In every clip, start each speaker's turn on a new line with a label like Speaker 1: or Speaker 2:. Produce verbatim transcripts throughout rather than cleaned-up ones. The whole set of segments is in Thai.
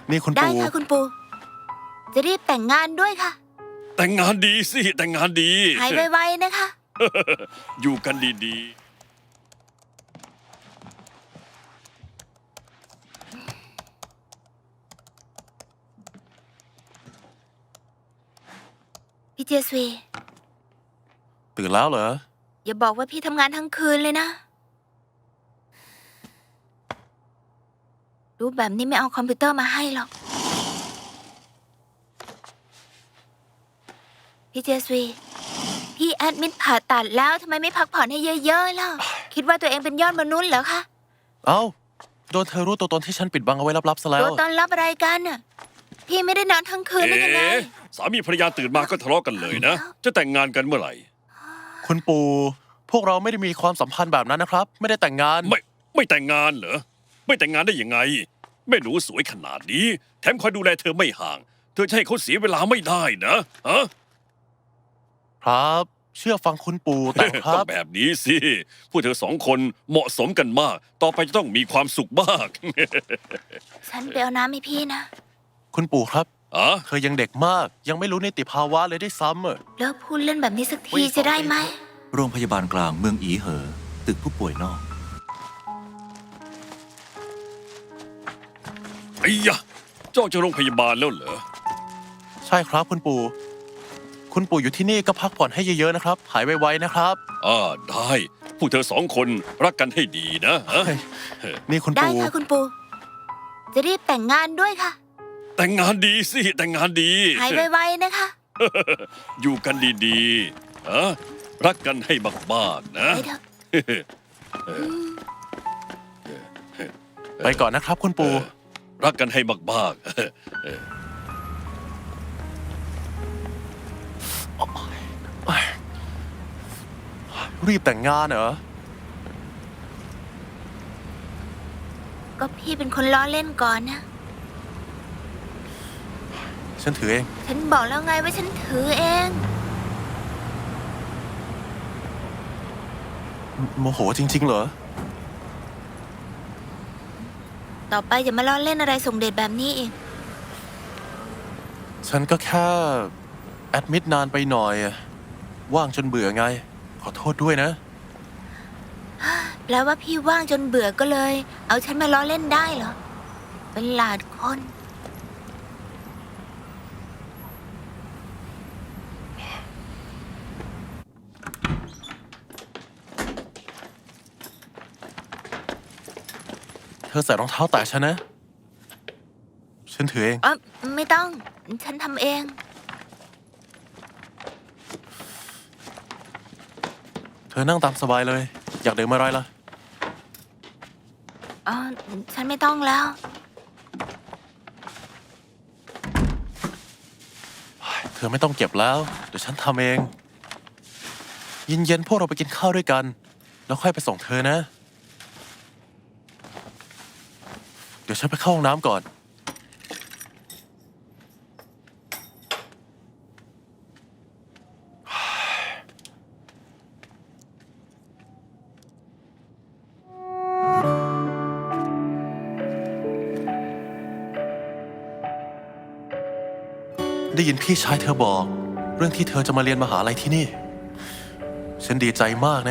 Speaker 1: นี่คุณ
Speaker 2: ได้
Speaker 1: ปู่
Speaker 2: ค่ะคุณปู่จะรีบแต่งงานด้วยค่ะ
Speaker 3: แต่งงานดีสิแต่งงานดี
Speaker 2: หายไวๆนะคะ
Speaker 3: อยู่กันดี
Speaker 2: พี่เจสวี
Speaker 1: ตื่นแล้วเหรอ
Speaker 2: อย่าบอกว่าพี่ทำงานทั้งคืนเลยนะรู้แบบนี้ไม่เอาคอมพิวเตอร์มาให้หรอกพี่เจสวีพี่แอดมิดผ่าตัดแล้วทำไมไม่พักผ่อนให้เยอะๆล่ะคิดว่าตัวเองเป็นยอดมนุษย์เหรอคะ
Speaker 1: เอ้าโดนเธอรู้ตัวตนที่ฉันปิดบังเอาไว้ลับๆซะแล้
Speaker 2: ตัว วตอนรับอะไรกันน่ะพี่ไม่ได้นอนทั้งคื
Speaker 3: ๆ
Speaker 2: นได้ยังไง
Speaker 3: เอ๊ะสามีภรรยาตื่นมาก็ทะเลาะกันเลยนะ จะแต่งงานกันเมื่อไหร่
Speaker 1: คุณปู่พวกเราไม่ได้มีความสัมพันธ์แบบนั้นนะครับ ไม่ได้แต่งงาน
Speaker 3: ไม่ไม่แต่งงานเหรอไม่แต่งงานได้ยังไงแม่หนูสวยขนาดนี้ แถมคอยดูแลเธอไม่ห่าง เธอจะให้เขาเสียเวลาไม่ได้นะฮะ
Speaker 1: ครับ เชื่อฟังคุณปู่แต่ค
Speaker 3: ต้
Speaker 1: รั
Speaker 3: อบ งแบบนี้สิพวกเธอสองคนเหมาะสมกันมาก ต่อไปจะต้องมีความสุขมาก
Speaker 2: ฉันไปเอาน้ำให้พี่นะ
Speaker 1: คุณปู่ครับ
Speaker 3: อะ
Speaker 1: เธอยังเด็กมาก ยังไม่รู้นิติภาวะเลยได้วยซ้ำอะ
Speaker 2: เลิกพูดเล่นแบบนี้สักทีจะได้ไหม
Speaker 4: โรงพยาบาลกลางเมืองอีเหอ ตึกผู้ป่วยนอก
Speaker 3: ไอ้ยะเจ้าจะโรงพยาบาลแล้วเหรอ
Speaker 1: ใช่ครับคุณปู่ คุณปู่อยู่ที่นี่ก็พักผ่อนให้เยอะๆนะครับ หายไวๆนะครับ
Speaker 3: อ่าได้พวกเธอสองคนรักกันให้ดีนะฮะ
Speaker 1: นี่คุณ
Speaker 2: ได้
Speaker 1: ปู่
Speaker 2: ค่ะคุณปู่จะรีบแต่งงานด้วยค่ะ
Speaker 3: แต่งงานดีสิแต่งงานดี
Speaker 2: หายไวๆนะคะ
Speaker 3: อยู่กันดีๆอะรักกันให้มากๆนะ
Speaker 2: ไปเถอะ
Speaker 1: ไปก่อนนะครับ คุณปู่
Speaker 3: รักกันให้มากๆ
Speaker 1: รีบแต่งงานเหรอ
Speaker 2: ก็พี่เป็นคนล้อเล่นก่อนนะ
Speaker 1: ฉันถือเอง
Speaker 2: ฉันบอกแล้วไงว่าฉันถือเอง
Speaker 1: โมโหจริง ๆ เหรอ
Speaker 2: ต่อไปอย่ามาล้อเล่นอะไรส่งเดชแบบนี้อีก
Speaker 1: ฉันก็แค่แอดมิดนานไปหน่อยอะว่างจนเบื่อไง ขอโทษด้วยนะ
Speaker 2: แปลว่าพี่ว่างจนเบื่อก็เลย เอาฉันมาล้อเล่นได้เหรอ เป็นหลาดคน
Speaker 1: เธอใส่รองเท้าแตะฉันนะ ฉันถือเอง
Speaker 2: เออไม่ต้อง ฉันทำเอง
Speaker 1: เธอนั่งตามสบายเลย อยากดื่มอะไรล่ะ
Speaker 2: อ๋อ ฉันไม่ต้องแล้ว
Speaker 1: เธอไม่ต้องเก็บแล้ว เดี๋ยวฉันทำเอง เย็นๆพวกเราไปกินข้าวด้วยกัน แล้วค่อยไปส่งเธอนะ เดี๋ยวฉันไปเข้าห้องน้ำก่อน ได้ยินพี่ชายเธอบอก เรื่องที่เธอจะมาเรียนมหาลัยที่นี่ ฉันดีใจมากนะ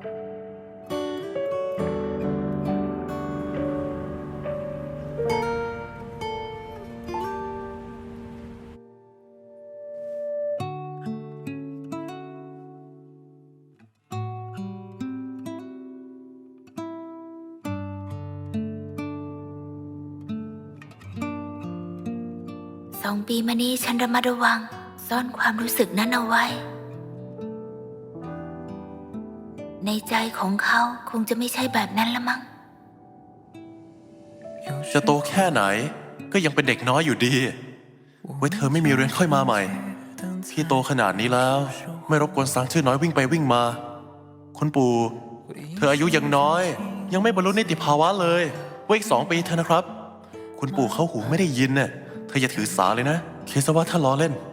Speaker 2: สองปีมานี้ฉันระมัดระวัง ซ่อนความรู้สึกนั้นเอาไว้ ในใจของเขาคงจะไม่ใช่แบบนั้นละมั้ง
Speaker 1: จะโตแค่ไหน ก็ยังเป็นเด็กน้อยอยู่ดี ไว้เธอไม่มีเรียนค่อยมาใหม่ พี่โตขนาดนี้แล้ว ไม่รบกวนสางชื่อน้อยวิ่งไปวิ่งมา คุณปู่ เธออายุยังน้อย ยังไม่บรรลุนิติภาวะเลยไว้อีกสองปีเธอะนะครับ คุณปู่เขาหูไม่ได้ยินน่ะเธออย่าถือสาเลยนะคิดซะว่าถ้าล้อเล่น